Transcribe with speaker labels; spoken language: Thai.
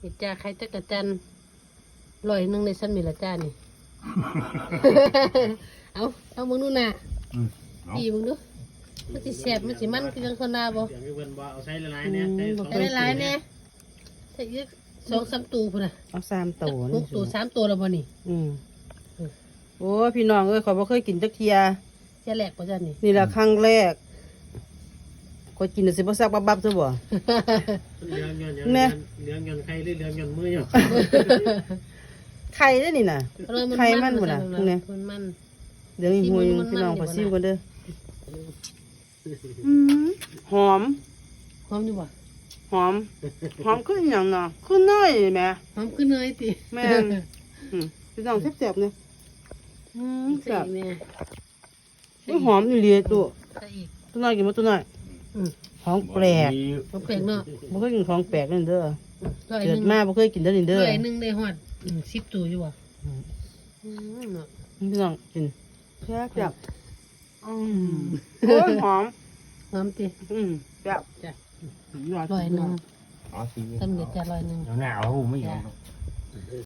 Speaker 1: นี่จ้าไข่จักรจันทร์100ในชั้นมีละจ้านี่ เอามึงดูน่ะ ดีมึงดูมันสิแซ่บมันสิมันคือจังคนนาบ่
Speaker 2: เสียงเพิ่นบ่เอาใช้ละลายเนี่ยใช้สอง
Speaker 1: ได้หลายแน่ใส่อีก2-3ตัวพุ่นน่ะ
Speaker 3: เอา3ตัว
Speaker 1: 6ตัว3ตัวแล้วบ่นี่
Speaker 3: โอ้พี่น้องเอ้ยขอยบ่เคยกินจักเที่ย
Speaker 1: เสียแหลกบ่จ้านี่
Speaker 3: นี่ล่ะครั้งแรกข้อยกินแล้วสิบ่ซักบับๆซะบ่
Speaker 2: เลี้ยงยน
Speaker 3: แม่
Speaker 2: เลี้ยงยนใครหรือเลี้ยงยนมืออยู่
Speaker 3: ไข่เด้อนี่น่ะ ไข่มันบ่ล่ะพวกเนี้ย
Speaker 1: มัน
Speaker 3: เดี๋ยวอีกหัวหนึงพี่น้องขอซิมก่อนเด้อหอม
Speaker 1: หอมอยู่บ่
Speaker 3: หอมคืออหย่างเนาะคือน้อยแหม่
Speaker 1: หอมขึ้นเลยติ
Speaker 3: แม่นพี่น้องแซ่บๆเนี่ยแซ่บ
Speaker 1: แม่
Speaker 3: อุ้ยหอมอีหลีตัว
Speaker 1: ใส่อีก
Speaker 3: ตัวน้อยกินบ่ตัวน้อยของแปลก
Speaker 1: บ่แปลกเนาะ
Speaker 3: บ่เคยกินของแปลกนั่นเด้อ
Speaker 1: ร้อย
Speaker 3: เกิ
Speaker 1: ห
Speaker 3: ด
Speaker 1: นึง
Speaker 3: มาบ่เคยกินเด้อนี่เด้อ
Speaker 1: ร้อยหนึงได้ฮอด10ตัวอยู่บ่เนาะ
Speaker 3: พี่น้องกินแซ่บโอ้ยหอม
Speaker 1: หอมติ
Speaker 3: แซ่บ
Speaker 1: จ้ะ
Speaker 3: ยอด
Speaker 1: ร้อยหนึง
Speaker 4: อ๋อสิ
Speaker 1: สำเร็จจ้ะร้อยหนึง
Speaker 4: หนาวๆไม่ยอม